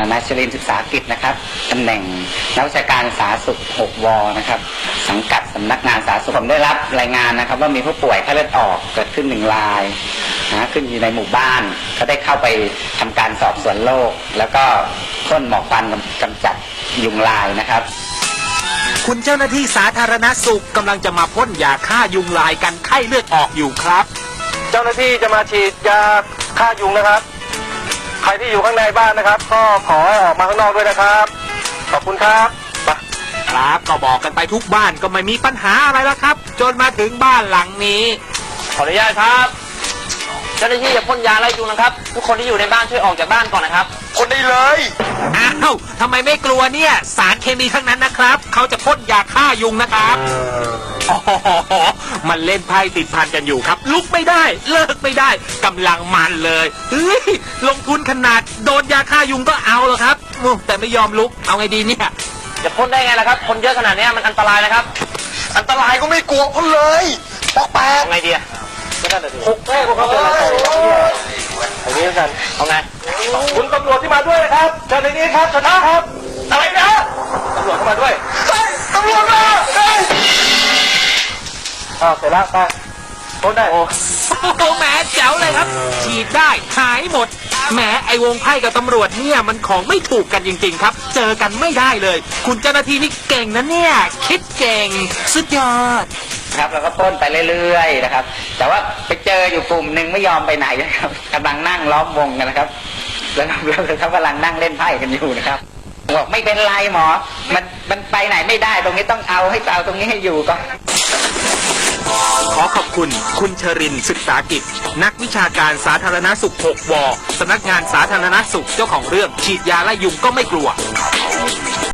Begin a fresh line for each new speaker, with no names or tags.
นายชลินทร์ศึกษากิจนะครับตำแหน่งนักวิชาการสาธารณสุข6 ว.นะครับสังกัดสำนักงานสาธารณสุขผมได้รับรายงานนะครับว่ามีผู้ป่วยไข้เลือดออกเกิดขึ้น1 รายขึ้นอยู่ในหมู่บ้านก็ได้เข้าไปทำการสอบสวนโรคแล้วก็พ่นหมอกควันกำจัดยุงลายนะครับ
คุณเจ้าหน้าที่สาธารณสุขกำลังจะมาพ่นยาฆ่ายุงลายกันไข้เลือดออกอยู่ครับ
เจ้าหน้าที่จะมาฉีดยาฆ่ายุงนะครับใครที่อยู่ข้างในบ้านนะครับก็ขอออกมาข้างนอกด้วยนะครับขอบคุณครับ
ครับก็บอกกันไปทุกบ้านก็ไม่มีปัญหาอะไรแล้วครับจนมาถึงบ้านหลังนี้
ขออนุญาตครับเจ้าหน้าที่จะพ่นยาไล่ยุงนะครับทุกคนที่อยู่ในบ้านช่วยออกจากบ้านก่อนนะครับ
คนได้เลย
อ้าวทำไมไม่กลัวเนี่ยสารเคมีทั้งนั้นนะครับเขาจะพ่นยาฆ่ายุงนะครับอ๋อมันเล่นไพ่ติดพันกันอยู่ครับลุกไม่ได้เลิกไม่ได้กำลังมันเลยเฮ้ยลงทุนขนาดโดนยาฆ่ายุงก็เอาแล้วครับแต่ไม่ยอมลุกเอาไงดีเนี่ย
จะพ่นได้ไงล่ะครับคนเยอะขนาดนี้มันอันตรายนะครับ
อันตรายก็ไม่กลัวพ่นเลยปอกแปะ
เอาไงดีอะ
หกแม่ของเขาเป็นอะไรอันนี้กัน
เอาไง
คุณตำรวจที่มาด้วยนะครับเชิญในนี้ครับชนะครับอะไรนะตำรวจเข้ามาด้วยตำรวจมาเสร็จแล้วไปพ่นได้
โอ้แหมแจ๋วเลยครับฉีดได้หายหมดแหมไอวงไพ่กับตำรวจเนี่ยมันของไม่ถูกกันจริงๆครับเจอกันไม่ได้เลยคุณเจ้าหน้าที่นี่เก่งนะเนี่ยคิดเก่งสุดยอด
ครับเราก็พ่นไปเรื่อยๆนะครับแต่ว่าไปเจออยู่กลุ่มหนึ่งไม่ยอมไปไหนนะครับกำลังนั่งล้อมวงกันนะครับแล้วเขากำลังนั่งเล่นไพ่กันอยู่นะครับบอกไม่เป็นไรหมอมันไปไหนไม่ได้ตรงนี้ต้องเอาตรงนี้ให้อยู่ก่อน
ขอขอบคุณคุณชรินทร์ศึกษากิจนักวิชาการสาธารณสุข6 ว.สำนักงานสาธารณสุขเจ้าของเรื่องฉีดยาไล่ยุงก็ไม่กลัว